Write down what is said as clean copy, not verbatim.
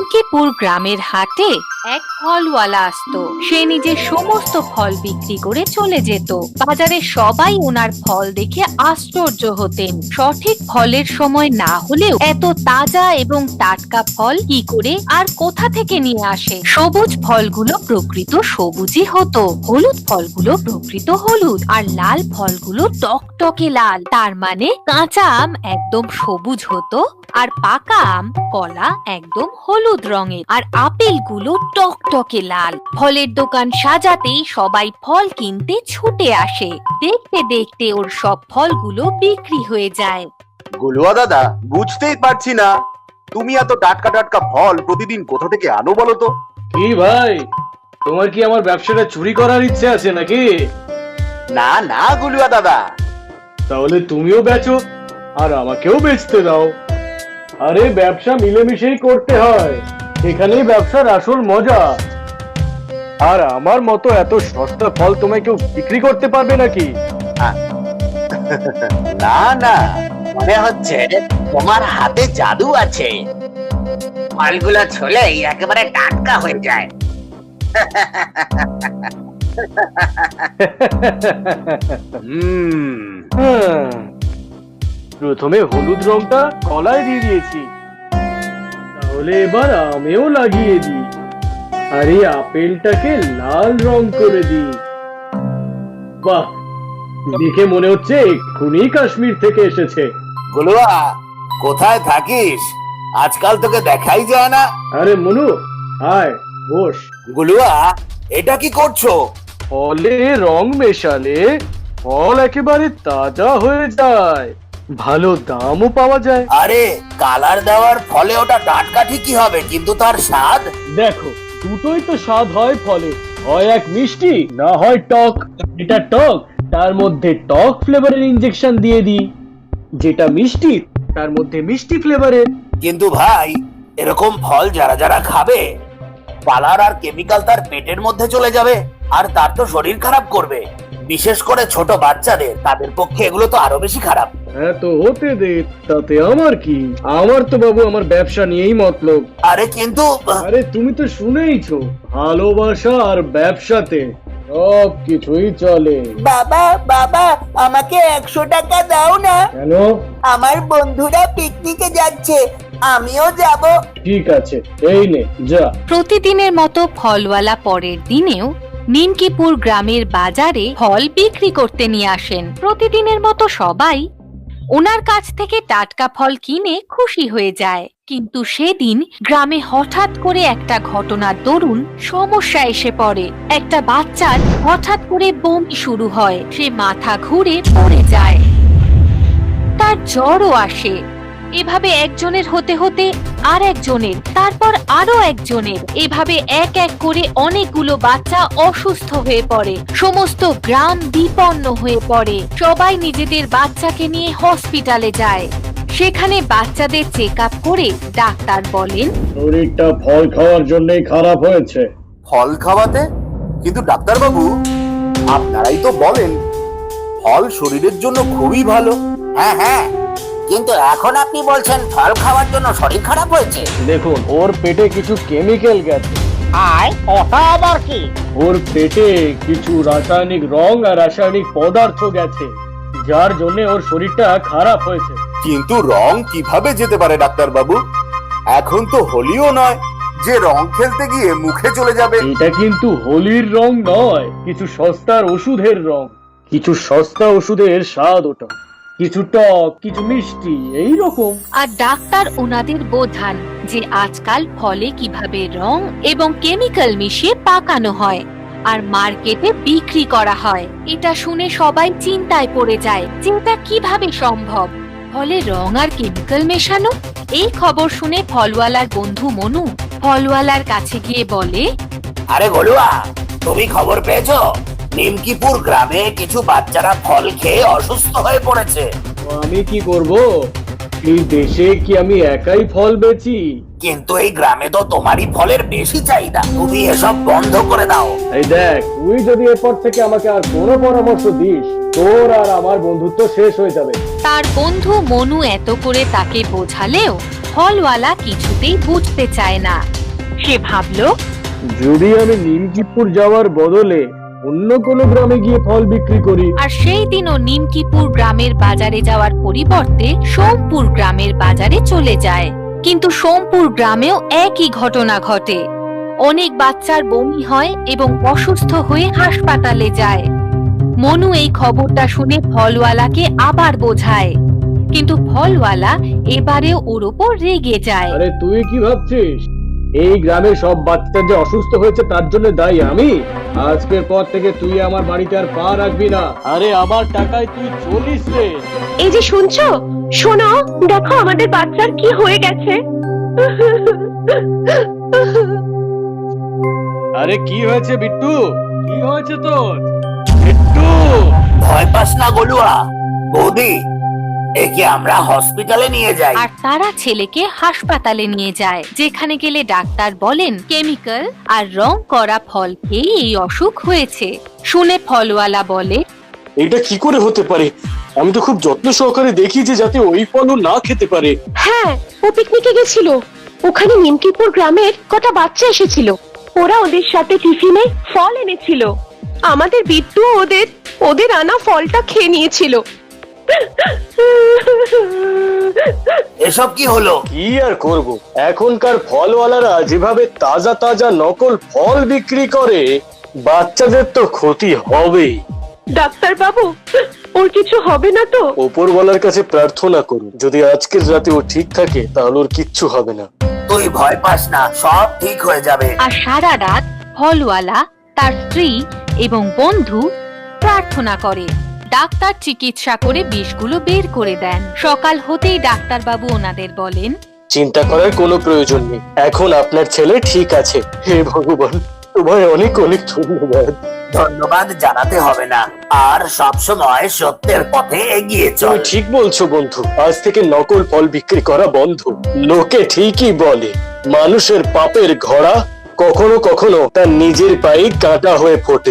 নিমকিপুর গ্রামের হাটে এক ফলওয়ালা আসতো। সে নিজের সমস্ত ফল বিক্রি করে চলে যেত। বাজারে সবাই ওনার ফল দেখে আশ্চর্য হতেন। সঠিক ফলের সময় না হলেও এত তাজা এবং টাটকা ফল কি করে আর কোথা থেকে নিয়ে আসে? সবুজ ফলগুলো প্রকৃত সবুজই হতো, হলুদ ফলগুলো প্রকৃত হলুদ, আর লাল ফলগুলো টকটকে লাল। তার মানে কাঁচা আম একদম সবুজ হতো, আর পাকা আম কলা একদম হলুদ রঙের, আর আপেলগুলো টকটকে লাল। ফলের দোকান সাজাতেই সবাই ফল কিনতে ছুটে আসে। দেখতে দেখতে ওর সব ফলগুলো বিক্রি হয়ে যায়। গুলুয়া দাদা, বুঝতেই পারছি না তুমি এত টাটকা টাটকা ফল প্রতিদিন কোথা থেকে আনো বলো তো? কি ভাই, তোমার কি আমার ব্যবসাটা চুরি করার ইচ্ছে আছে নাকি? না না গুলুয়া দাদা, তাহলে তুমিও বেচো আর আমাকেও বেচতে দাও। আরে ব্যবসা মিলেমিশেই করতে হয়, এখানেই ব্যবসার আসল মজা। আর আমার মতো এত সস্তা ফল তোমায় কেউ বিক্রি করতে পারবে নাকি? না না, মনে হচ্ছে তোমার হাতে জাদু আছে। ফলগুলো ছুলেই একেবারে টাটকা হয়ে যায়। প্রথমে হলুদ রংটা কলায় দিয়ে দিয়েছি, তাহলে এবার আমেও লাগিয়ে দিই, আর এই আপেলটাকে লাল রং করে দিই। বাহ, দেখে মনে হচ্ছে এক্ষুনি কাশ্মীর থেকে এসেছে। গুলুয়া, কোথায় থাকিস? আজকাল তোকে দেখাই যায় না। আরে মনু, আয় বস। গুলুয়া, এটা কি করছো? ফলে রং মেশালে ফল একেবারে তাজা হয়ে যায়, ভালো দামও পাওয়া যায়। আরে কালার দেওয়ার ফলে ওটা টাটকা ঠিকই হবে, কিন্তু তার স্বাদ? দেখো, দুটোই তো স্বাদ হয় ফলে, হয় এক মিষ্টি না হয় টক। এটা টক, তার মধ্যে টক ফ্লেভারের ইনজেকশন দিয়ে দিই, যেটা মিষ্টি তার মধ্যে মিষ্টি ফ্লেভারের। কিন্তু ভাই, এরকম ফল যারা যারা খাবে, কালার আর কেমিক্যাল তার পেটের মধ্যে চলে যাবে, আর তার তো শরীর খারাপ করবে। বিশেষ করে ছোট বাচ্চাদের, তাদের পক্ষে এগুলো তো আরো বেশি খারাপ। হ্যাঁ, তো হতে দে, তাতে আমার কি? আমার তো বাবু আমার ব্যবসা নিয়েই মতলব। আরে কিন্তু আরে তুমি তো শুনেইছো, ভালোবাসা আর ব্যবসাতে সব কিছুই চলে। বাবা বাবা, আমাকে 100 টাকা দাও না। কেন? আমার বন্ধুরা পিকনিকে যাচ্ছে, আমিও যাব। ঠিক আছে, এই নে যা। প্রতিদিনের মতো ফলওয়ালা পরের দিনেও নিমকিপুর গ্রামের বাজারে ফল বিক্রি করতে নিয়ে আসেন। প্রতিদিনের মতো সবাই ওনার কাছ থেকে টাটকা ফল কিনে খুশি হয়ে যায়। কিন্তু সেদিন গ্রামে হঠাৎ করে একটা ঘটনার দরুন সমস্যা এসে পড়ে। একটা বাচ্চার হঠাৎ করে বমি শুরু হয়, সে মাথা ঘুরে পড়ে যায়, তার জ্বরও আসে। এভাবে একজনের হতে হতে আর একজনের, তারপর আরো একজনের, এভাবে এক এক করে অনেকগুলো বাচ্চা অসুস্থ হয়ে পড়ে। সমস্ত গ্রাম বিপন্ন হয়ে পড়ে। সবাই নিজেদের বাচ্চাকে নিয়ে হসপিটালে যায়। সেখানে বাচ্চাদের চেক আপ করে ডাক্তার বলেন, শরীরটা ফল খাওয়ার জন্যই খারাপ হয়েছে। ফল খাওয়াতে? কিন্তু ডাক্তার বাবু, আপনারাই তো বলেন ফল শরীরের জন্য খুবই ভালো। হ্যাঁ হ্যাঁ, কিন্তু এখন আপনি বলছেন ফল খাওয়ার জন্য শরীর খারাপ হয়েছে। দেখুন, ওর পেটে কিছু কেমিক্যাল গেছে। আর ওটা আবার কি? ওর পেটে কিছু রাসায়নিক রং আর রাসায়নিক পদার্থ গেছে, যার জন্য ওর শরীরটা খারাপ হয়েছে। কিন্তু রং কিভাবে যেতে পারে ডাক্তার বাবু? এখন তো হোলিও নয় যে রং খেলতে গিয়ে মুখে চলে যাবে। এটা কিন্তু হোলির রং নয়, কিছু সস্তার ওষুধের রং। কিছু সস্তা ওষুধের স্বাদ ওটা, কিছু টক, কিছু মিষ্টি, এই রকম। আর ডাক্তার ওনাদের বোঝান যে আজকাল ফলে কিভাবে রং এবং কেমিক্যাল মিশিয়ে পাকানো হয় আর মার্কেটে বিক্রি করা হয়। এটা শুনে সবাই চিন্তায় পড়ে যায় যে এটা কিভাবে সম্ভব, ফলে রং আর কেমিক্যাল মেশানো। এই খবর শুনে ফলওয়ালার বন্ধু মনু ফলওয়ালার কাছে গিয়ে বলে, আরে গলুয়া, তুমি খবর পেয়েছো? নিমকিপুর গ্রামে কিছু বাচ্চারা ফল খেয়ে অসুস্থ হয়ে পড়েছে। আমি কি করব? এই দেশে কি আমি একাই ফল বেচি? কিন্তু এই গ্রামে তো তোমারই ফলের বেশি চাহিদা। তুমি এসব বন্ধ করে দাও। এই দেখ, তুই যদি এরপর থেকে আমাকে আর কোনো পরামর্শ দিস, তোর আর আমার বন্ধুত্ব শেষ হয়ে যাবে। তার বন্ধু মনু এত করে তাকে বোঝালেও ফলওয়ালা কিছুতেই বুঝতে চায় না। সে ভাবলো, যদি আমি নিমকিপুর যাওয়ার বদলে অন্য কোনো গ্রামে গিয়ে ফল বিক্রি করি। আর সেই দিনও নিমকিপুর গ্রামের বাজারে যাওয়ার পরিবর্তে সোমপুর গ্রামের বাজারে চলে যায়। কিন্তু সোমপুর গ্রামেও একই ঘটনা ঘটে। অনেক বাচ্চার বমি হয় এবং অসুস্থ হয়ে হাসপাতালে যায়। মনু এই খবরটা শুনে ফলওয়ালাকে আবার বোঝায়, কিন্তু ফলওয়ালা এবারেও ওর ওপর রেগে যায়। আরে তুই কি ভাবছিস এই গ্রামের সব বাচ্চা যে অসুস্থ হয়েছে তার জন্য দায়ী আমি? আজকের পর থেকে তুই আমার বাড়িতে আর পা রাখবি না। আরে আমার টাকায় তুই চলিস রে। এই যে শুনছো, শোনো, দেখো আমাদের বাচ্চার কি হয়ে গেছে। আরে কি হয়েছে বিট্টু? কি হয়েছে তোর বিট্টু? ভয় পাস না গলুয়া। বৌদি, একে আমরা হসপিটালে নিয়ে যাই। আর তারা ছেলেকে হাসপাতালে নিয়ে যায়, যেখানে গেলে ডাক্তার বলেন কেমিক্যাল আর রং করা ফল খেয়ে এই অসুখ হয়েছে। শুনে ফলওয়ালা বলে, এটা কি করে হতে পারে? আমি তো খুব যত্ন সহকারে দেখি যে যাতে ওই ফলও না খেতে পারে। হ্যাঁ, ও পিকনিকে গেছিল। ওখানে নিমকিপুর গ্রামের কটা বাচ্চা এসেছিল। ওরা ওদের সাথে টিফিনে ফল এনেছিল। আমাদের বিট্টু ওদের আনা ফলটা খেয়ে নিয়েছিল। এসব কি হলো? কি আর করব, এখনকার ফলওয়ালারা যেভাবে তাজা তাজা নকল ফল বিক্রি করে, বাচ্চাদের তো ক্ষতি হবেই। ডাক্তার বাবু, ওর কিছু হবে না তো? ওপরওয়ালার কাছে প্রার্থনা করুন, যদি আজকের রাতে ও ঠিক থাকে তাহলে ওর কিচ্ছু হবে না। তুই ভয় পাস না, সব ঠিক হয়ে যাবে। আর সারা রাত ফলওয়ালা, তার স্ত্রী এবং বন্ধু প্রার্থনা করে। ডাক্তার চিকিৎসা করে বিষগুলো বের করে দেন। সকাল হতেই ডাক্তারবাবু ওনাদের বলেন, চিন্তা করার কোনো প্রয়োজন নেই, এখন আপনার ছেলে ঠিক আছে। হে ভগবান, তোমায় অনেক অনেক ধন্যবাদ। ধন্যবাদ জানাতে হবে না, আর সব সময় সত্যের পথে এগিয়ে চল। তুমি ঠিক বলছো বন্ধু, আজ থেকে নকল ফল বিক্রি করা বন্ধ। লোকে ঠিকই বলে, মানুষের পাপের ঘোড়া কখনো কখনো তার নিজের পায়ে কাঁটা হয়ে ফোটে।